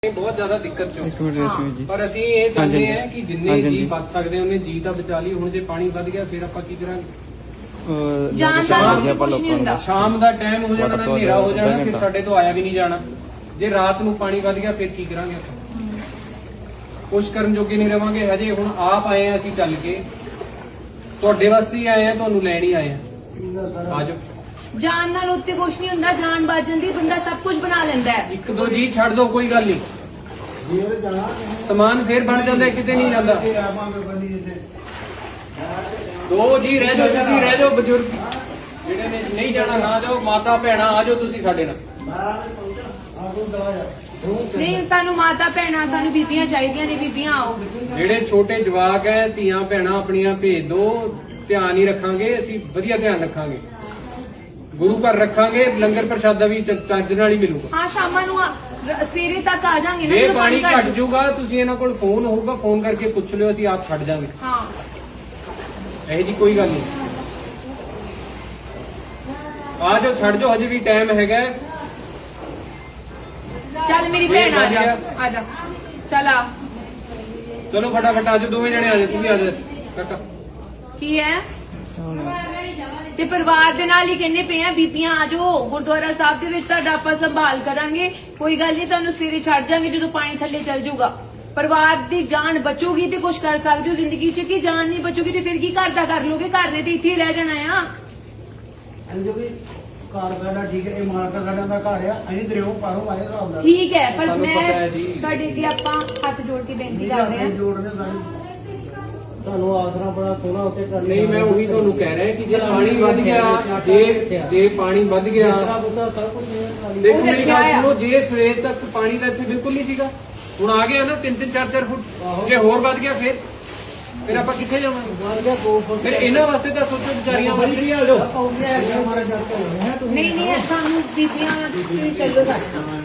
बहुत ज्यादा दिक्कत चो जी पर ਅਸੀਂ ਇਹ ਚਾਹੁੰਦੇ ਹਾਂ ਕਿ ਜਿੰਨੇ ਜੀ ਬਚ ਸਕਦੇ ਉਹਨੇ ਜੀ ਤਾਂ ਬਚਾ ਲਈ। ਹੁਣ ਜੇ ਪਾਣੀ ਵੱਧ ਗਿਆ ਫਿਰ ਆਪਾਂ ਕੀ ਕਰਾਂਗੇ? ਜਾਨ ਦਾ ਕੁਝ ਨਹੀਂ ਹੁੰਦਾ। ਸ਼ਾਮ ਦਾ ਟਾਈਮ ਹੋ ਜਾਣਾ, ਹਨੇਰਾ ਹੋ ਜਾਣਾ, ਫਿਰ ਸਾਡੇ ਤੋਂ ਆਇਆ ਵੀ ਨਹੀਂ ਜਾਣਾ। ਜੇ ਰਾਤ ਨੂੰ ਪਾਣੀ ਵੱਧ ਗਿਆ ਫਿਰ ਕੀ ਕਰਾਂਗੇ? ਕੁਛ ਕਰਨ ਜੋਗੇ ਨਹੀਂ ਰਵਾਂਗੇ। ਹਜੇ ਹੁਣ ਆਪ ਆਏ ਆ ਅਸੀਂ ਚੱਲ ਕੇ, ਤੁਹਾਡੇ ਵਾਸਤੇ ਹੀ ਆਏ ਆ, ਤੁਹਾਨੂੰ ਲੈਣ ਹੀ ਆਏ ਆ। ਆਜੋ। ਜਾਨ ਨਾਲ ਉੱਤੇ ਕੁਝ ਨਹੀਂ ਹੁੰਦਾ, ਜਾਨ ਬਚ ਜਾਂਦੀ, ਬੰਦਾ ਸਭ ਕੁਝ ਬਣਾ ਲੈਂਦਾ ਹੈ। ਇੱਕ ਦੋ ਜੀ ਛੱਡ ਦੋ, ਕੋਈ ਗੱਲ ਨਹੀਂ, ਸਮਾਨ ਫੇਰ ਬਣ ਜਾਂਦਾ, ਕਿਤੇ ਨਹੀਂ ਜਾਂਦਾ। ਦੋ ਜੀ ਰਹਿ ਜਾਓ, ਤੁਸੀਂ ਰਹਿ ਜਾਓ, ਬਜ਼ੁਰਗ ਜਿਹੜੇ ਨੇ ਨਹੀਂ ਜਾਣਾ ਨਾ ਜਾਓ, ਮਾਤਾ ਭੈਣਾਂ ਆ ਜਾਓ ਤੁਸੀਂ ਸਾਡੇ ਨਾਲ। ਨਹੀਂ, ਸਾਨੂੰ ਮਾਤਾ ਭੈਣਾਂ, ਸਾਨੂੰ ਬੀਬੀਆਂ ਚਾਹੀਦੀਆਂ ਨੇ, ਬੀਬੀਆਂ ਆਓ। ਜਿਹੜੇ ਛੋਟੇ ਜਵਾਕ ਹੈ, ਧੀਆਂ ਭੈਣਾਂ ਆਪਣੀਆਂ ਭੇਜ ਦੋ, ਧਿਆਨ ਹੀ ਰੱਖਾਂਗੇ ਅਸੀਂ, ਵਧੀਆ ਧਿਆਨ ਰੱਖਾਂਗੇ, ਗੁਰੂ ਘਰ ਰੱਖਾਂਗੇ, ਲੰਗਰ ਪ੍ਰਸ਼ਾਦਾ ਵੀ ਚੱਜ ਨਾਲ ਹੀ ਮਿਲੂਗਾ। ਹਾਂ, ਸ਼ਾਮਾਂ ਨੂੰ ਸਵੇਰੇ ਤੱਕ ਆ ਜਾਾਂਗੇ ਨਾ। ਜੇ ਪਾਣੀ ਘਟ ਜਾਊਗਾ, ਤੁਸੀਂ ਇਹਨਾਂ ਕੋਲ ਫੋਨ ਹੋਊਗਾ, ਫੋਨ ਕਰਕੇ ਪੁੱਛ ਲਿਓ, ਅਸੀਂ ਆਪ ਛੱਡ ਜਾਾਂਗੇ। ਹਾਂ, ਇਹ ਜੀ ਕੋਈ ਗੱਲ ਨਹੀਂ, ਆ ਜਾਓ, ਛੱਡ ਜਾਓ, ਹਜੇ ਵੀ ਟਾਈਮ ਹੈਗਾ। ਚੱਲ ਮੇਰੀ ਭੈਣ ਆ ਜਾ, ਆ ਜਾ, ਚੱਲ ਆ। ਚਲੋ ਫਟਾਫਟ ਆ ਜਾਓ, ਦੋਵੇਂ ਜਣੇ ਆ ਜਾਓ, ਤੂੰ ਵੀ ਆ ਜਾ ਕਾਕਾ। ਕੀ ਹੈ ਤੇ ਪਰਿਵਾਰ ਦੇ ਨਾਲ ਹੀ ਕਹਿੰਦੇ ਪਏ ਆ, ਬੀਬੀਆਂ ਆ ਜਾਓ ਗੁਰਦੁਆਰਾ ਸਾਹਿਬ ਦੇ ਵਿੱਚ, ਤੁਹਾਡਾ ਆਪਾਂ ਸੰਭਾਲ ਕਰਾਂਗੇ, ਕੋਈ ਗੱਲ ਨਹੀਂ, ਤੁਹਾਨੂੰ ਸਵੇਰੇ ਛੱਡ ਜਾਾਂਗੇ ਜਦੋਂ ਪਾਣੀ ਥੱਲੇ ਚੱਲ ਜਾਊਗਾ। ਪਰਿਵਾਰ ਦੀ ਜਾਨ ਬਚੂਗੀ ਤੇ ਕੁਝ ਕਰ ਸਕਦੇ ਹੋ ਜ਼ਿੰਦਗੀ 'ਚ, ਕਿ ਜਾਨ ਨਹੀਂ ਬਚੂਗੀ ਤੇ ਫਿਰ ਕੀ ਘਰ ਦਾ ਕਰ ਲੋਗੇ? ਘਰ ਨੇ ਤੇ ਇੱਥੇ ਹੀ ਰਹਿ ਜਾਣਾ ਆ। ਘਰ ਸਾਡਾ ਠੀਕ ਹੈ, ਇਹ ਮਾਲਕਾ ਸਾਡਾ ਦਾ ਘਰ ਆ, ਅਸੀਂ ਦਰਿਓ ਪਾਰੋਂ ਆਏ ਹਿਸਾਬ ਨਾਲ। ਠੀਕ ਹੈ, ਪਰ ਸਾਨੂੰ ਮੈਂ ਪਤਾ ਹੈ ਜੀ। ਤੁਹਾਡੇ ਅੱਗੇ ਆਪਾਂ ਹੱਥ ਜੋੜ ਕੇ ਬੇਨਤੀ ਕਰਦੇ ਹਾਂ। ਜੋੜਨੇ ਤੁਹਾਨੂੰ ਆਸਰਾ ਬੜਾ ਸੋਹਣਾ ਉੱਤੇ ਕਰ ਨਹੀਂ, ਮੈਂ ਉਹੀ ਤੁਹਾਨੂੰ ਕਹਿ ਰਿਹਾ ਕਿ ਜੇ ਪਾਣੀ ਵੱਧ ਗਿਆ, ਜੇ ਪਾਣੀ ਵੱਧ ਗਿਆ, ਸਭ ਕੁਝ ਦੇਖੋ ਮੇਰੀ ਗੱਲ ਸੁਣੋ, ਜੇ ਸਵੇਰ ਤੱਕ ਪਾਣੀ ਤਾਂ ਇੱਥੇ ਬਿਲਕੁਲ ਨਹੀਂ ਸੀਗਾ, ਹੁਣ ਆ ਗਿਆ ਨਾ 3-3 4-4 ਫੁੱਟ, ਜੇ ਹੋਰ ਵੱਧ ਗਿਆ ਫਿਰ ਆਪਾਂ ਕਿੱਥੇ ਜਾਵਾਂਗੇ? ਬਣ ਗਿਆ 2 ਫੁੱਟ। ਫਿਰ ਇਹਨਾਂ ਵਾਸਤੇ ਤਾਂ ਸੋਚੋ, ਵਿਚਾਰੀਆਂ ਵੱਧ ਰਹੀਆਂ। ਨਹੀਂ ਨਹੀਂ, ਸਾਨੂੰ ਬੀਬੀਆਂ ਤੁਸੀਂ ਚੱਲੋ ਸਾਡੇ ਨਾਲ।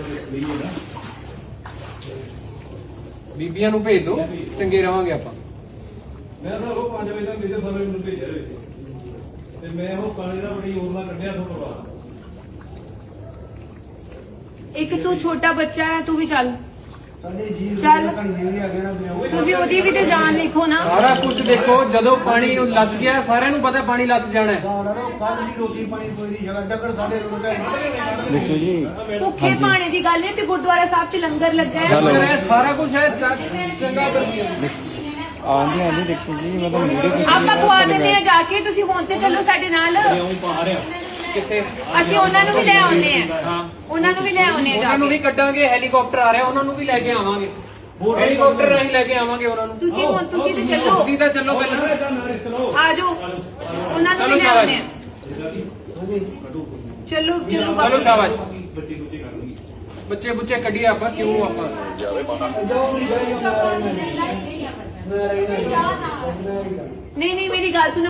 ਬੀਬੀਆਂ ਨੂੰ ਭੇਜ ਦਿਓ, ਚੰਗੇ ਰਵਾਂਗੇ ਆਪਾਂ। ਮੈਂ ਸਰ ਉਹ 5 ਵਜੇ ਤੱਕ ਮੇਰੇ ਸਾਰੇ ਮੈਨੂੰ ਭੇਜਿਆ ਹੋਇਆ ਸੀ ਤੇ ਮੈਂ ਉਹ ਪਾਣੀ ਦਾ ਬੜੀ ਓਰਲਾ ਕੱਢਿਆ ਤੋਂ ਬਾਅਦ। ਇੱਕ ਤੂੰ ਛੋਟਾ ਬੱਚਾ ਹੈ, ਤੂੰ ਵੀ ਚੱਲ। ਸਾਡੇ ਜੀ ਚੱਲ। ਘੰਟੇ ਵੀ ਆ ਗਏ ਨਾ ਦਰਿਓ। ਤੁਸੀਂ ਉਹਦੀ ਵੀ ਤੇ ਜਾਨ ਲਿਖੋ ਨਾ। ਸਾਰਾ ਕੁਝ ਦੇਖੋ, ਜਦੋਂ ਪਾਣੀ ਨੂੰ ਲੱਗ ਗਿਆ, ਸਾਰਿਆਂ ਨੂੰ ਪਤਾ ਪਾਣੀ ਲੱਗ ਜਾਣਾ ਹੈ। ਕੱਲ ਵੀ ਰੋਟੀ ਪਾਣੀ ਕੋਈ ਨਹੀਂ ਜਗ੍ਹਾ ਡੱਕਰ ਸਾਡੇ ਦੇਖੋ ਜੀ, ਭੁੱਖੇ ਪਾਣੀ ਦੀ ਗੱਲ ਹੈ ਤੇ ਗੁਰਦੁਆਰਾ ਸਾਹਿਬ 'ਚ ਲੰਗਰ ਲੱਗਾ ਹੈ। ਲੰਗਰ ਹੈ, ਸਾਰਾ ਕੁਝ ਹੈ, ਚੰਗਾ ਵਧੀਆ। ਆਂਦੀ ਆਂਦੀ ਦੇਖੋ ਜੀ, ਮੈਂ ਤਾਂ ਵੀਡੀਓ ਆਪਾਂ ਖਵਾ ਦਿੰਦੇ ਆ ਜਾ ਕੇ, ਤੁਸੀਂ ਹੁਣ ਤੇ ਚੱਲੋ ਸਾਡੇ ਨਾਲ। ਕਿੱਥੇ? ਅਸੀਂ ਉਹਨਾਂ ਨੂੰ ਵੀ ਲੈ ਆਉਨੇ ਆ। ਹਾਂ, ਉਹਨਾਂ ਨੂੰ ਵੀ ਲੈ ਆਉਨੇ ਆ ਜਾ ਉਹਨਾਂ ਨੂੰ ਵੀ ਕੇ। ਕੱਢਾਂਗੇ, ਹੈਲੀਕਾਪਟਰ ਆ ਰਿਹਾ, ਉਹਨਾਂ ਨੂੰ ਵੀ ਲੈ ਕੇ ਆਵਾਂਗੇ, ਹੈਲੀਕਾਪਟਰ ਰਾਹੀਂ ਲੈ ਕੇ ਆਵਾਂਗੇ ਉਹਨਾਂ ਨੂੰ। ਤੁਸੀਂ ਹੁਣ ਤੁਸੀਂ ਤੇ ਚੱਲੋ, ਤੁਸੀਂ ਤਾਂ ਚੱਲੋ ਪਹਿਲਾਂ। ਆ ਜਾਓ, ਉਹਨਾਂ ਨੂੰ ਵੀ ਲੈ ਆਉਨੇ ਆ। ਚਲੋ ਚਲੋ ਚਲੋ ਸ਼ਾਬਾਸ਼, ਬੱਚੇ ਬੁੱਚੇ ਕੱਢੀਏ ਆਪਾਂ, ਕਿਉਂ ਆਪਾਂ ਨਹੀਂ ਨਹੀਂ, ਮੇਰੀ ਗੱਲ ਸੁਣੋ।